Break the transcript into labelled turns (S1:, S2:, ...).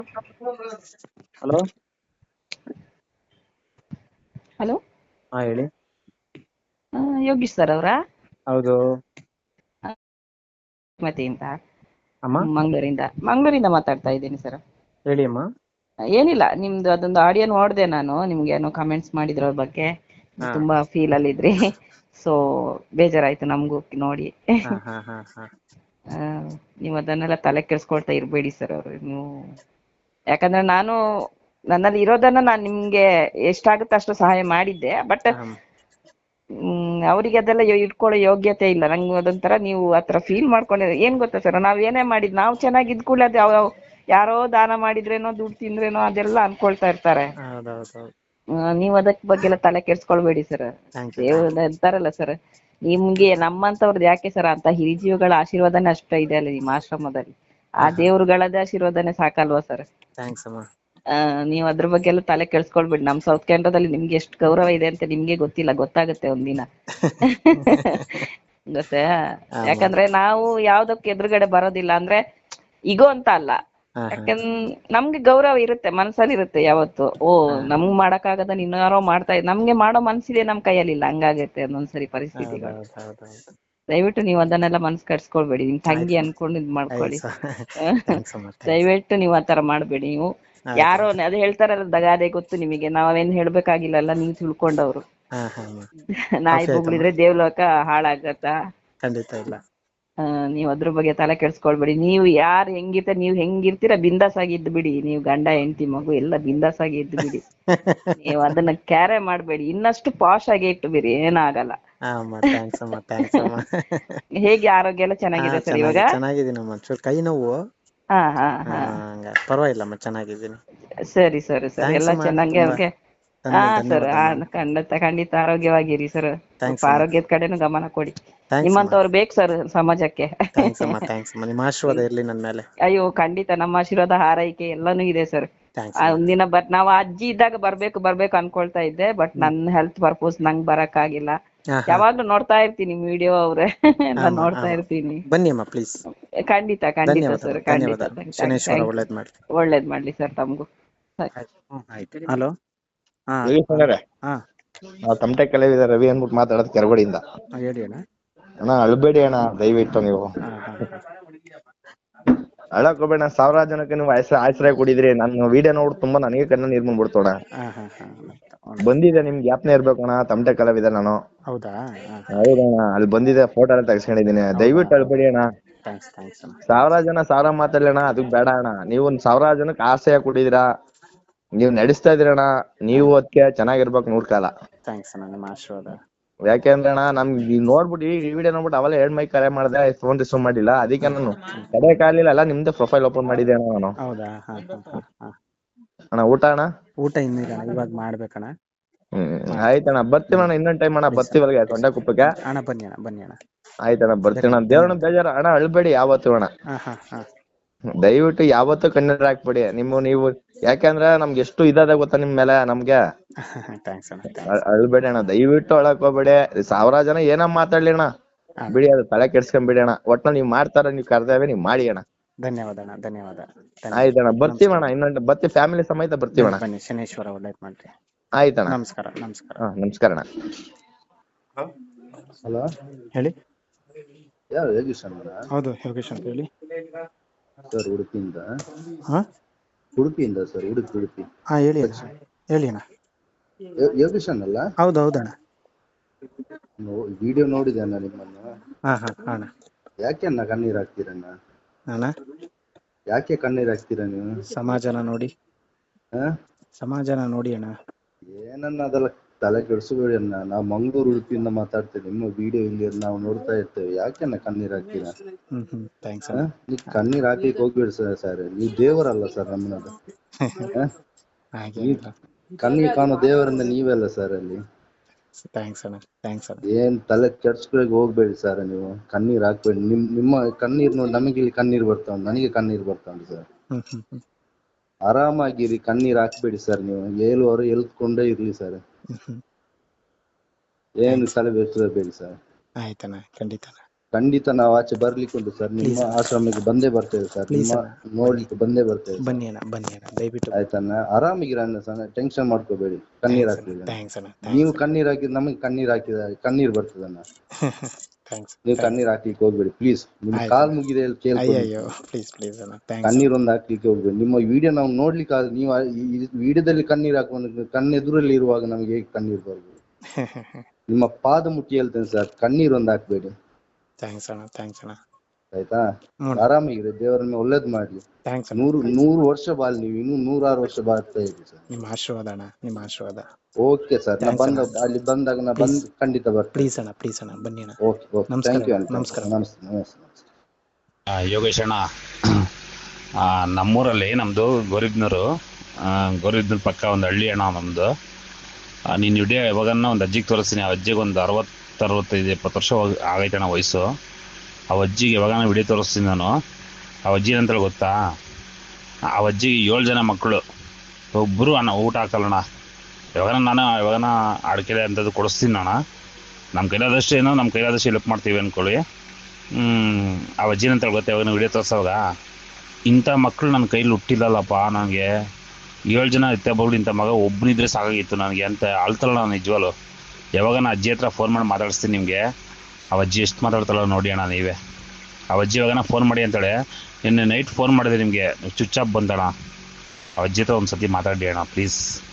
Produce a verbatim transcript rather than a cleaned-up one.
S1: Hello
S2: hello
S1: ಹಾ ಹೇಳಿ.
S2: Yogish sir ಅವರಾ?
S1: ಹೌದು.
S2: ಮತೆಯಿಂದ
S1: ಅಮ್ಮ
S2: ಮಂಗಳೂರಿಂದ ಮಂಗಳೂರಿಂದ ಮಾತಾಡ್ತಾ ಇದ್ದೀನಿ ಸರ್.
S1: ಹೇಳಿ ಅಮ್ಮ.
S2: ಏನಿಲ್ಲ, ನಿಮ್ದು ಅದೊಂದು ಆಡಿಯೋ ನೋಡಿದೆ ನಾನು. ನಿಮ್ಗೆ ಏನೋ ಕಮೆಂಟ್ಸ್ ಮಾಡಿದ್ರ ಅವ್ರ ಬಗ್ಗೆ,
S1: ಹಾ
S2: ತುಂಬಾ ಫೀಲ್ ಅಲ್ಲಿ ಇದ್ರಿ. ಸೊ ಬೇಜಾರಾಯ್ತು ನಮಗೂ ನೋಡಿ.
S1: ಹಾ ಹಾ ಹಾ ಹಾ
S2: ಆ, ನೀವು ಅದನ್ನೆಲ್ಲ ತಲೆ ಕೆಡ್ಸ್ಕೊಳ್ತಾ ಇರ್ಬೇಡಿ ಸರ್. ಅವರು ನೀವು, ಯಾಕಂದ್ರೆ ನಾನು ನನ್ನಲ್ಲಿ ಇರೋದನ್ನ ನಾನು ನಿಮ್ಗೆ ಎಷ್ಟಾಗುತ್ತೆ ಅಷ್ಟು ಸಹಾಯ ಮಾಡಿದ್ದೆ. ಬಟ್
S1: ಹ್ಮ್
S2: ಹ್ಮ್ ಅವ್ರಿಗೆ ಅದೆಲ್ಲ ಯೋ- ಇಟ್ಕೊಳ್ಳೋ ಯೋಗ್ಯತೆ ಇಲ್ಲ. ನಂಗೆ ಅದೊಂಥರ ನೀವು ಆತರ ಫೀಲ್ ಮಾಡ್ಕೊಂಡಿದ್ರೆ ಏನ್ ಗೊತ್ತಾ ಸರ್, ನಾವ್ ಏನೇ ಮಾಡಿದ್ ನಾವು ಚೆನ್ನಾಗಿದ್ ಕೂಡಲೇ ಅದು ಯಾವ ಯಾರೋ ದಾನ ಮಾಡಿದ್ರೇನೋ ದುಡ್ಡು ತಿಂದ್ರೇನೋ ಅದೆಲ್ಲ ಅನ್ಕೊಳ್ತಾ ಇರ್ತಾರೆ.
S1: ಹೌದೌದು.
S2: ಆ, ನೀವ್ ಅದಕ್ ಬಗ್ಗೆ ಎಲ್ಲ ತಲೆ ಕೆಡ್ಸ್ಕೊಳ್ಬೇಡಿ ಸರ್.
S1: ಥ್ಯಾಂಕ್ ಯು ಥ್ಯಾಂಕ್
S2: ದೇವ್ರ ಇರ್ತಾರಲ್ಲ ಸರ್, ನಿಮ್ಗೆ ನಮ್ಮಂತವ್ರದ್ದು ಯಾಕೆ ಸರ್, ಅಂತ ಹಿರಿಜೀವಿಗಳ ಆಶೀರ್ವಾದನೇ ಅಷ್ಟ ಇದೆ ಅಲ್ಲ ನಿಮ್ಮ ಆಶ್ರಮದಲ್ಲಿ. ಆ
S1: ಹಾ ಹಾ
S2: ದೇವ್ರುಗಳದ ಆಶೀರ್ವಾದನೇ ಸಾಕಲ್ವಾ ಸರ್.
S1: ಥ್ಯಾಂಕ್ಸ್ ಅಮ್ಮ.
S2: ಆ ನೀವ್ ಅದ್ರ ಬಗ್ಗೆ ಎಲ್ಲ ತಲೆ ಕೆಡ್ಸ್ಕೊಳ್ಬೇಡಿ. ನಮ್ ಸೌತ್ ಕೇಂದ್ರದಲ್ಲಿ ನಿಮ್ಗೆ ಎಷ್ಟು ಗೌರವ ಇದೆ ಅಂತ ನಿಮ್ಗೆ ಗೊತ್ತಿಲ್ಲ, ಗೊತ್ತಾಗುತ್ತೆ ಒಂದಿನ. ಗೊತ್ತಾ?
S1: ಅಮ್ಮ.
S2: ಯಾಕಂದ್ರೆ ನಾವು ಯಾವ್ದಕ್ಕೆ ಎದುರುಗಡೆ ಬರೋದಿಲ್ಲ ಅಂದ್ರೆ ಇಗೋ ಅಂತ ಅಲ್ಲ.
S1: ಹಾ ಹಾ
S2: ಯಾಕಂದ್ ನಮ್ಗೆ ಗೌರವ ಇರುತ್ತೆ, ಮನ್ಸಲ್ಲಿ ಇರುತ್ತೆ ಯಾವತ್ತು. ಓ
S1: ಹಾ
S2: ನಮ್ಗ್ ಮಾಡಕ್ ಆಗದ ಇನ್ಯಾರೋ ಮಾಡ್ತಾ ಇದ್, ನಮ್ಗೆ ಮಾಡೋ ಮನ್ಸಿದೆ, ನಮ್ ಕೈಯಲ್ಲಿಲ್ಲ. ಹಂಗಾಗತ್ತೆ ಒಂದೊಂದ್ಸರಿ ಪರಿಸ್ಥಿತಿಗಳು.
S1: ಹೌದೌದು ಹೌದೌದು.
S2: ದಯವಿಟ್ಟು ನೀವು ಅದನ್ನೆಲ್ಲ ಮನ್ಸ್ ಕಟ್ಸ್ಕೊಳ್ಬೇಡಿ. ನಿಮ್ ತಂಗಿ
S1: ಆಯ್ತಮ್ಮ
S2: ಅನ್ಕೊಂಡು ಇದ್ ಮಾಡ್ಕೊಳ್ಳಿ.
S1: ಆಯ್ತು. ಥ್ಯಾಂಕ್ಸ್ ಅಮ್ಮ ಥ್ಯಾಂಕ್ಸ್.
S2: ದಯವಿಟ್ಟು ನೀವು ಆತರ ಮಾಡ್ಬೇಡಿ. ನೀವು
S1: ಆಯ್ತಮ್ಮ.
S2: ಯಾರೋ ಅದ್ ಹೇಳ್ತಾರಲ್ಲ, ದಗಾದೆ ಗೊತ್ತು ನಿಮಗೆ, ನಾವೇನ್ ಹೇಳ್ಬೇಕಾಗಿಲ್ಲಲ್ಲ, ನೀವು ತಿಳ್ಕೊಂಡವ್ರು.
S1: ಹಾ ಹಾ ಅಮ್ಮ.
S2: ನಾಯಿ
S1: ಕಾಫಿ ಆಯ್ತಮ್ಮ.
S2: ಬೊಗಳಿದ್ರೆ ದೇವ್ಲೋಕ ಹಾಳಾಗತ್ತಾ?
S1: ಖಂಡಿತ ಇಲ್ಲ.
S2: ಆ ನೀವ್ ಅದ್ರ ಬಗ್ಗೆ ತಲೆ ಕೆಡ್ಸ್ಕೊಳ್ಬೇಡಿ. ನೀವು ಯಾರು ಹೆಂಗಿರ್ತ, ನೀವ್ ಹೆಂಗಿರ್ತೀರ ಬಿಂದಾಸ್ ಆಗಿ ಇದ್ದು ಬಿಡಿ. ನೀವು ಗಂಡ ಹೆಂಡತಿ ಮಗು ಎಲ್ಲ ಬಿಂದಾಸ್ ಆಗಿ ಇದ್ದು ಬಿಡಿ. ನೀವು ಅದನ್ನ ಕ್ಯಾರೆ ಮಾಡ್ಬೇಡಿ. ಇನ್ನಷ್ಟು ಪಾಶ್ ಆಗಿ ಇಟ್ಟು ಬಿಡಿ, ಏನಾಗಲ್ಲ.
S1: ಹಾ ಅಮ್ಮ. ಥ್ಯಾಂಕ್ಸ್ ಅಮ್ಮ ಥ್ಯಾಂಕ್ಸ್ ಅಮ್ಮ.
S2: ಹೇಗೆ ಆರೋಗ್ಯ ಎಲ್ಲ
S1: ಹಾ
S2: ಚೆನ್ನಾಗಿದೆ ಸರ್
S1: ಚೆನ್ನಾಗಿ
S2: ಇವಾಗ?
S1: ಚೆನ್ನಾಗಿದ್ದೀನಮ್ಮ. ಚೂರು ಕೈ ನೋವು.
S2: ಹಾ ಹಾ
S1: ಹಾ
S2: ಹಾ
S1: ಹಂಗ ಪರವಾಗಿಲ್ಲಮ್ಮ, ಚೆನ್ನಾಗಿದ್ದೀನಿ.
S2: ಸರಿ ಸರಿ ಸರ್,
S1: ಥ್ಯಾಂಕ್ಸ್
S2: ಎಲ್ಲ
S1: ಅಮ್ಮ.
S2: ಚೆನ್ನಾಗಿ
S1: ತುಂಬಾ
S2: ಅವ್ರಿಗೆ. ಹಾ
S1: ಧನ್ಯ
S2: ಸರ್,
S1: ಧನ್ಯವಾದಮ್ಮ.
S2: ಖಂಡಿತ ಖಂಡಿತ ಆರೋಗ್ಯವಾಗಿರಿ ಸರ್. ಸ್ವಲ್ಪ
S1: ಥ್ಯಾಂಕ್ಸ್ ಅಮ್ಮ.
S2: ಆರೋಗ್ಯದ ಕಡೆನೂ ಗಮನ ಕೊಡಿ.
S1: ಥ್ಯಾಂಕ್ಸ್ ಅಮ್ಮ.
S2: ನಿಮ್ಮಂತವ್ರು ಬೇಕು ಸರ್ ಸಮಾಜಕ್ಕೆ.
S1: ಥ್ಯಾಂಕ್ಸ್ ಅಮ್ಮ ಥ್ಯಾಂಕ್ಸ್ ಅಮ್ಮ. ನಿಮ್ಮ ಆಶೀರ್ವಾದ ಇರ್ಲಿ ನನ್ನ ಮೇಲೆ.
S2: ಅಯ್ಯೋ ಖಂಡಿತ, ನಮ್ಮ ಆಶೀರ್ವಾದ ಹಾರೈಕೆ ಎಲ್ಲಾನು ಇದೆ ಸರ್.
S1: ಥ್ಯಾಂಕ್ಸ್
S2: ಆ
S1: ಅಮ್ಮ.
S2: ಒಂದಿನ ಬರ್ ನಾವು ಅಜ್ಜಿ ಇದ್ದಾಗ ಬರ್ಬೇಕು ಬರ್ಬೇಕು ಅನ್ಕೊಳ್ತಾ ಇದ್ದೆ. ಬಟ್
S1: ಹ್ಮ್
S2: ನನ್ನ ಹೆಲ್ತ್ ಪರ್ಪೋಸ್ ನಂಗೆ ಬರಕ್ ಆಗಿಲ್ಲ.
S1: ಹಾ ಹಾ
S2: ಯಾವಾಗ್ಲೂ ನೋಡ್ತಾ ಇರ್ತೀನಿ ವಿಡಿಯೋ ಅವ್ರೆ, ಎಲ್ಲ
S1: ಆಮ
S2: ನೋಡ್ತಾ
S1: ಆಮ
S2: ಇರ್ತೀನಿ.
S1: ಬನ್ನಿ ಅಮ್ಮ ಪ್ಲೀಸ್.
S2: ಖಂಡಿತ ಖಂಡಿತ ಸರ್,
S1: ಧನ್ಯವಾದಗಳು
S2: ಖಂಡಿತ.
S1: ಧನ್ಯವಾದ. Shaneshwara
S2: thank you.
S1: ಒಳ್ಳೇದ್ ಮಾಡ್ಲಿ.
S2: ಒಳ್ಳೇದ್ ಮಾಡ್ಲಿ ಸರ್ ತಮಗೂ.
S1: ಆಯ್ತು. ಹಲೋ. ಹಾ
S3: ಯೋಗೇಶ್
S1: ಹಾ
S3: ನಾವು ತಮಟೆ ಕಲಾವಿದ ರವಿ ಅಂದ್ಬಿಟ್ಟು ಮಾತಾಡೋದು ಕೆರಗೋಡಿಯಿಂದ.
S1: ಹೇಳಿ ಅಣ್ಣ.
S3: ಅಣ್ಣ ಅಳ್ಬೇಡಿ ಅಣ್ಣ, ದಯವಿಟ್ಟು ನೀವು
S1: ಹಾ ಹಾ
S3: ಅಳಕ್ ಹೋಗ್ಬೇಡ. ಸಾವಿರಾರು ಜನಕ್ಕೆ ನೀವು ಆಶ್ರಯ ಆಶ್ರಯ ಕೊಡಿದ್ರಿ. ನನ್ನ ವಿಡಿಯೋ ನೋಡಿ ತುಂಬಾ ನನಗೆ ಕಣ್ಣ ನೀರ್ ಬಂದ್ಬಿಡ್ತೋಣ.
S1: ಹಾ ಹಾ ಹಾ
S3: ಬಂದಿದೆ, ನಿಮ್ಗೆ ಜ್ಞಾಪನೆ ಇರ್ಬೇಕಣ್ಣ, ತಮಟೆ ಕಲಾವಿದ ನಾನು.
S1: ಹೌದಾ?
S3: ಹೌದಣ್ಣ, ಅಲ್ಲಿ ಬಂದಿದೆ, ಫೋಟೋ ಎಲ್ಲ ತೆಗೆಸ್ಕೊಂಡಿದ್ದೀನಿ. ದಯವಿಟ್ಟು ಅಳ್ಬೇಡಿ ಅಣ್ಣ.
S1: ಥ್ಯಾಂಕ್ಸ್ ಥ್ಯಾಂಕ್ಸ್ ಅಣ್ಣ.
S3: ಸಾವಿರಾರು ಜನ ಸಾವಿರ ಮಾತಾಡ್ಲಿ ಅಣ್ಣ, ಅದಕ್ ಬೇಡ ಅಣ್ಣ. ನೀವು ಒಂದ್ ಸಾವಿರಾರು ಜನಕ್ಕೆ ಆಶ್ರಯ ಕೊಟ್ಟಿದ್ದೀರಾ, ನೀವ್ ನಡೆಸ್ತಾ ಇದೀರಣ್ಣ. ನೀವು ಅದಕ್ಕೆ ಚೆನ್ನಾಗಿರ್ಬೇಕು ನೂರ್ ಕಾಲ.
S1: ಥ್ಯಾಂಕ್ಸ್ ಅಣ್ಣ, ನಿಮ್ಮ ಆಶೀರ್ವಾದ.
S3: ಯಾಕೆಂದ್ರೆ ಅಣ್ಣ, ನಮ್ಗೆ ನೋಡ್ಬಿಟ್ಟು ಈ ವಿಡಿಯೋ ನೋಡ್ಬಿಟ್ಟು ಅವೆಲ್ಲ ಎರಡ್ ಮೈ ಕರೆ ಮಾಡಿದೆ, ಫೋನ್ ರಿಸೀವ್ ಮಾಡಿಲ್ಲ. ಅದಕ್ಕೆ ನಾನು ಕಡೆ ಕಾಲಿಲ್ಲ ನಿಮ್ದೆ ಪ್ರೊಫೈಲ್ ಓಪನ್ ಮಾಡಿದೆ ಅಣ್ಣ ನಾನು.
S1: ಹೌದಾ? ಹಾ ಹಾ ಹಾ
S3: ಅಣ್ಣ ಊಟ ಅಣ್ಣ?
S1: ಊಟ ಇನ್ನಿಲ್ಲ ಅಣ್ಣ, ಇವಾಗ ಮಾಡ್ಬೇಕಣ್ಣ.
S3: ಹ್ಮ್ ಆಯ್ತಣ್ಣ, ಬರ್ತೀವಣ್ಣ ಇನ್ನೊಂದ್ ಟೈಮ್ ಅಣ್ಣ, ಬರ್ತೀವಲ್ಗೆ ಸೊಂಡೆಕುಪ್ಪಕ್ಕೆ.
S1: ಅಣ್ಣ ಬನ್ನಿ ಅಣ್ಣ ಬನ್ನಿ ಅಣ್ಣ.
S3: ಆಯ್ತಣ್ಣ, ಬರ್ತೀವಣ್ಣ. ದೇವ್ರನ್ನ ಬೇಜಾರ ಅಣ್ಣ, ಅಳ್ಬೇಡಿ ಯಾವತ್ತು ಅಣ್ಣ.
S1: ಹಾ ಹಾ ಹಾ
S3: ದಯವಿಟ್ಟು ಯಾವತ್ತೂ ಕಣ್ಣೀರ್ ಹಾಕ್ಬೇಡಿ. ನಿಮ್ಮ ನೀವು ಯಾಕಂದ್ರೆ ನಮ್ಗೆ ಎಷ್ಟು ಇದಾದ ಗೊತ್ತಾ ನಿಮ್ ಮೇಲೆ ನಮ್ಗೆ.
S1: ಥ್ಯಾಂಕ್ಸ್ ಅಣ್ಣ ಥ್ಯಾಂಕ್ಸ್.
S3: ಅಳ್ಬೇಡಿ ಅಣ್ಣ, ದಯವಿಟ್ಟು ಅಳಕ್ ಹೋಗ್ಬೇಡಿ. ಸಾವಿರಾರು ಜನ ಏನ ಮಾತಾಡ್ಲಿ ಅಣ್ಣ, ಬಿಡಿ, ಅದು ತಲೆ ಕೆಡ್ಸ್ಕೊಂಬಿಡಿ ಅಣ್ಣ. ಒಟ್ನಲ್ಲಿ ನೀವ್ ಮಾಡ್ತಾರ, ನೀವ್ ಕರ್ದೇವೆ, ನೀವ್ ಮಾಡಿ ಅಣ್ಣ.
S1: ಧನ್ಯವಾದ ಅಣ್ಣ ಧನ್ಯವಾದ.
S3: ಆಯ್ತಣ್ಣ, ಬರ್ತೀವಣ್ಣ, ಇನ್ನೊಂದು ಬರ್ತೀವಿ, ಫ್ಯಾಮಿಲಿ ಸಮೇತ ಬರ್ತೀವಣ್ಣ.
S1: ಬನ್ನಿ, ಶನೇಶ್ವರ ಒಳ್ಳೇದ್ ಮಾಡ್ರಿ.
S3: ಆಯ್ತಣ್ಣ,
S1: ನಮಸ್ಕಾರ ನಮಸ್ಕಾರ.
S3: ಹಾ ನಮಸ್ಕಾರ ಅಣ್ಣ.
S4: ಹಲೋ,
S1: ಹೇಳಿ.
S4: ಯಾರು ಯೋಗೀಶ್ ಅಣ್ಣ?
S1: ಹೌದು, ಯೋಗೇಶ್ ಅಂತ ಹೇಳಿ.
S4: ಸರ್ ಉಡುಪಿಯಿಂದ.
S1: ಹಾ
S4: ಉಡುಪಿಯಿಂದ ಸರ್, ಉಡುಪಿ ಉಡುಪಿ.
S1: ಹಾ ಹೇಳಿ ಅಣ್ಣ, ಹೇಳಿ ಅಣ್ಣ.
S4: ಯೋ- ಯೋಗೀಶ್ ಅಣ್ಣಲ್ಲ?
S1: ಹೌದು ಹೌದಣ್ಣ.
S4: ವಿಡಿಯೋ ನೋಡಿದೆ ಅಣ್ಣ ನಿಮ್ಮನ್ನು.
S1: ಹಾ ಹಾ ಅಣ್ಣ.
S4: ಯಾಕೆ ಅಣ್ಣ ಕಣ್ಣೀರ್ ಹಾಕ್ತೀರಣ್ಣ?
S1: ಅಣ್ಣ
S4: ಯಾಕೆ ಕಣ್ಣೀರ್ ಹಾಕ್ತೀರ ನೀವು?
S1: ಸಮಾಜನ ನೋಡಿ,
S4: ಹಾ
S1: ಸಮಾಜನ ನೋಡಿ ಅಣ್ಣ. ಏನನ್ನ
S4: ಅದೆಲ್ಲ ತಲೆ ಕೆಡಿಸ್ಬೇಡಿ ಅಣ್ಣ. ನಾವು ಮಂಗಳೂರು ಉಡುಪಿಯಿಂದ ಮಾತಾಡ್ತೇವೆ. ನಿಮ್ಮ ವಿಡಿಯೋ ಇಲ್ಲಿ ನಾವು ನೋಡ್ತಾ ಇರ್ತೇವೆ. ಯಾಕೆ ಅಣ್ಣ ಕಣ್ಣೀರ್ ಹಾಕ್ತೀರಾ?
S1: ಹ್ಮ್ ಹ್ಮ್ ಥ್ಯಾಂಕ್ಸ್
S4: ಹಾ
S1: ಅಣ್ಣ.
S4: ನೀವು ಕಣ್ಣೀರ್ ಹಾಕ್ಲಿಕ್ಕೆ ಹೋಗ್ಬೇಡಿ ಸರ್. ಸರ್ ನೀವು ದೇವರಲ್ಲ ಸರ್ ನಮ್ಮನ್ನದು.
S1: ಹಾಗೇನಿಲ್ಲ.
S4: ಕಣ್ಣಿಗೆ ಕಾಣೋ ದೇವರಿಂದ ನೀವೆಲ್ಲ ಸರ್ ಅಲ್ಲಿ.
S1: ಥ್ಯಾಂಕ್ಸ್ ಅಣ್ಣ ಥ್ಯಾಂಕ್ಸ್ ಅಣ್ಣ.
S4: ಏನ್ ತಲೆ ಕೆಡ್ಸ್ಕೊಳಕ್ ಹೋಗ್ಬೇಡಿ ಸರ್ ನೀವು. ಕಣ್ಣೀರ್ ಹಾಕ್ಬೇಡಿ. ನಿಮ್ ನಿಮ್ಮ ಕಣ್ಣೀರ್ ನೋಡಿ ನಮಗೆ ಇಲ್ಲಿ ಕಣ್ಣೀರ್ ಬರ್ತಾವ, ನನಗೆ ಕಣ್ಣೀರ್ ಬರ್ತಾವ ಸರ್.
S1: ಹ್ಮ್ ಹ್ಮ್ ಹ್ಮ್
S4: ಆರಾಮಾಗಿರಿ, ಕಣ್ಣೀರ್ ಹಾಕ್ಬೇಡಿ ಸರ್ ನೀವು. ಏಳುವರೆ ಎಲ್ತ್ಕೊಂಡೇ ಇರ್ಲಿ ಸರ್.
S1: ಹ್ಮ್ ಹ್ಮ್
S4: ಏನು ತಲೆ ಬೇಡಿ ಸರ್.
S1: ಆಯ್ತಣ್ಣ, ಖಂಡಿತ.
S4: ಖಂಡಿತ ನಾವು ಆಚೆ ಬರ್ಲಿಕ್ಕೆ ಉಂಟು ಸರ್. ನಿಮ್ಮ
S1: Please.
S4: ಆಶ್ರಮಕ್ಕೆ ಬಂದೇ ಬರ್ತೇವೆ ಸರ್.
S1: Please
S4: ನಿಮ್ಮ
S1: ಅಣ್ಣ,
S4: ನೋಡ್ಲಿಕ್ಕೆ ಬಂದೇ ಬರ್ತೇವೆ sir.
S1: ಬನ್ನಿ ಅಣ್ಣ ಬನ್ನಿ ಅಣ್ಣ ದಯವಿಟ್ಟು
S4: ಆಯ್ತಣ್ಣ, ಆರಾಮಿಗಿರಣ್ಣ ಸರ್, ಟೆನ್ಷನ್ ಮಾಡ್ಕೋಬೇಡಿ. ಕಣ್ಣೀರ್ ಹಾಕ್ಲಿಲ್ಲ
S1: ಥ್ಯಾಂಕ್ಸ್ ಅಣ್ಣ
S4: ನೀವು
S1: ಥ್ಯಾಂಕ್ಸ್
S4: ಕಣ್ಣೀರ್ ಹಾಕಿದ್ ನಮಗೆ ಕಣ್ಣೀರ್ ಹಾಕಿದ ಕಣ್ಣೀರ್ ಬರ್ತದಣ್ಣ.
S1: ಥ್ಯಾಂಕ್ಸ್
S4: ನೀವು ಕಣ್ಣೀರ್ ಹಾಕ್ಲಿಕ್ಕೆ ಹೋಗ್ಬೇಡಿ ಪ್ಲೀಸ್. ನಿಮ್
S1: ಆಯ್ತು.
S4: ಕಾಲ್ ಮುಗಿದೆ ಕೇಳ್ಕೊಂಡು
S1: ಅಯ್ಯಯ್ಯೋ ಪ್ಲೀಸ್ ಪ್ಲೀಸ್ ಅಣ್ಣ ಥ್ಯಾಂಕ್ಸ್
S4: ಕಣ್ಣೀರ್ ಒಂದು ಹಾಕ್ಲಿಕ್ಕೆ ಹೋಗ್ಬೇಡಿ. ನಿಮ್ಮ ವಿಡಿಯೋ ನಾವು ನೋಡ್ಲಿಕ್ಕೆ ಆಗ- ನೀವು ವಿಡಿಯೋದಲ್ಲಿ ಕಣ್ಣೀರ್ ಹಾಕೊಂಡು ಕಣ್ಣೆದುರಲ್ಲಿ ಇರುವಾಗ ನಮಗೆ ಹೇಗೆ ಕಣ್ಣೀರ್ ಬರ್ಬೋದು? ನಿಮ್ಮ ಪಾದ ಮುಟ್ಟಿ ಹೇಳ್ತೇನೆ ಸರ್, ಕಣ್ಣೀರ್ ಒಂದು ಹಾಕ್ಬೇಡಿ
S1: ಥ್ಯಾಂಕ್ಸ್ ಅಣ್ಣ ಥ್ಯಾಂಕ್ಸ್ ಅಣ್ಣ
S4: ಆಯ್ತಾ?
S1: ಹ್ಞೂ
S4: ಆರಾಮಾಗಿರಿ, ದೇವರನ್ನ ಒಳ್ಳೇದ್ ಮಾಡ್ಲಿ.
S1: ಥ್ಯಾಂಕ್ಸ್ ಅಣ್ಣ
S4: ನೂರು ನೂರು ವರ್ಷ ಬಾಳ್, ನೀವು ಇನ್ನೂ ನೂರಾರು ವರ್ಷ ಬಾಳ್ತಾ ಇರಿ ಸರ್.
S1: ನಿಮ್ಮ ಆಶೀರ್ವಾದ ಅಣ್ಣ ನಿಮ್ಮ ಆಶೀರ್ವಾದ.
S4: ಓಕೆ ಸರ್, ನಾ
S1: Thanks
S4: ಬಂದ
S1: ಅಣ್ಣ.
S4: ಅಲ್ಲಿ ಬಂದಾಗ ನಾ ಬಂದ್ ಖಂಡಿತ ಬರ್ತೀನಿ.
S1: ಪ್ಲೀಸ್ ಅಣ್ಣ ಪ್ಲೀಸ್ ಅಣ್ಣ ಬನ್ನಿ ಅಣ್ಣ.
S4: ಓಕೆ ಓಕೆ
S1: ನಮಸ್ಕಾರ.
S4: ಥ್ಯಾಂಕ್ ಯು ಅಣ್ಣ.
S1: ನಮಸ್ಕಾರ.
S4: ನಮಸ್ತೆ ನಮಸ್ತೆ ನಮಸ್ತೆ.
S5: ಆ, ಯೋಗೇಶ್ ಅಣ್ಣ, ಆ, ನಮ್ಮೂರಲ್ಲಿ ನಮ್ಮದು ಗೌರಿಬ್ನೂರು, ಗೌರಿಬ್ನೂರು ಪಕ್ಕ ಒಂದು ಹಳ್ಳಿ ಅಣ್ಣ ನಮ್ಮದು. ನೀನು ವಿಡಿಯೋ ಯಾವಾಗನ್ನ ಒಂದು ಅಜ್ಜಿಗೆ ತೋರಿಸ್ತೀನಿ. ಆ ಅಜ್ಜಿಗೆ ಒಂದು ಅರವತ್ತು ಅರವತ್ತೈದು ಎಪ್ಪತ್ತು ವರ್ಷ ಹೋಗ್- ಆಗೈತೆ ಅಣ್ಣ ವಯಸ್ಸು. ಆ ಅಜ್ಜಿಗೆ ಯಾವಾಗನ ವಿಡಿಯೋ ತೋರಿಸ್ತೀನಿ ನಾನು. ಆ ಅಜ್ಜಿ ಏನಂತೇಳಿ ಗೊತ್ತಾ, ಆ ಅಜ್ಜಿಗೆ ಏಳು ಜನ ಮಕ್ಕಳು, ಒಬ್ಬರು ಅಣ್ಣ ಊಟ ಹಾಕಲ್ಲಣ್ಣ. ಯಾವಾಗನ ನಾನು ಯಾವಾಗನ ಅಡಿಕೆ ಅಂಥದ್ದು ಕೊಡಿಸ್ತೀನಿ ಅಣ್ಣ. ನಮ್ಮ ಕೈಲಾದಷ್ಟು ಏನೋ ನಮ್ಮ ಕೈಲಾದಷ್ಟು ಹೆಲ್ಪ್ ಮಾಡ್ತೀವಿ ಅಂದ್ಕೊಳ್ಳಿ. ಆ ಅಜ್ಜಿನ ಅಂತ ಗೊತ್ತೆ, ಯಾವಾಗ ವಿಡಿಯೋ ತೋರಿಸೋವಾಗ ಇಂಥ ಮಕ್ಕಳು ನನ್ನ ಕೈಲಿ ಹುಟ್ಟಿಲ್ಲಲ್ಲಪ್ಪ, ನನಗೆ ಏಳು ಜನ ಇತ್ತೆ ಬಗ್ಳು ಇಂಥ ಮಗ ಒಬ್ಬನಿದ್ರೆ ಸಾಕಾಗಿತ್ತು ನನಗೆ ಅಂತ ಅಳ್ತಾಳ ನಾನು ನಿಜವಾಲು. ಯಾವಾಗ ನಾನು ಅಜ್ಜಿ ಹತ್ರ ಫೋನ್ ಮಾಡಿ ಮಾತಾಡಿಸ್ತೀನಿ ನಿಮಗೆ. ಆ ಅಜ್ಜಿ ಎಷ್ಟು ಮಾತಾಡ್ತಾಳ ನೋಡಿ ಅಣ್ಣ ನೀವೇ. ಆ ಅಜ್ಜಿ ಯಾವಾಗ ಫೋನ್ ಮಾಡಿ ಅಂತೇಳಿ ನಿನ್ನೆ ನೈಟ್ ಫೋನ್ ಮಾಡಿದೆ ನಿಮಗೆ, ಸ್ವಿಚ್ ಆಫ್ ಬಂದಣ್ಣ. ಆ ಅಜ್ಜಿ ಹತ್ರ ಒಂದು ಸತಿ ಮಾತಾಡಿ ಅಣ್ಣ ಪ್ಲೀಸ್.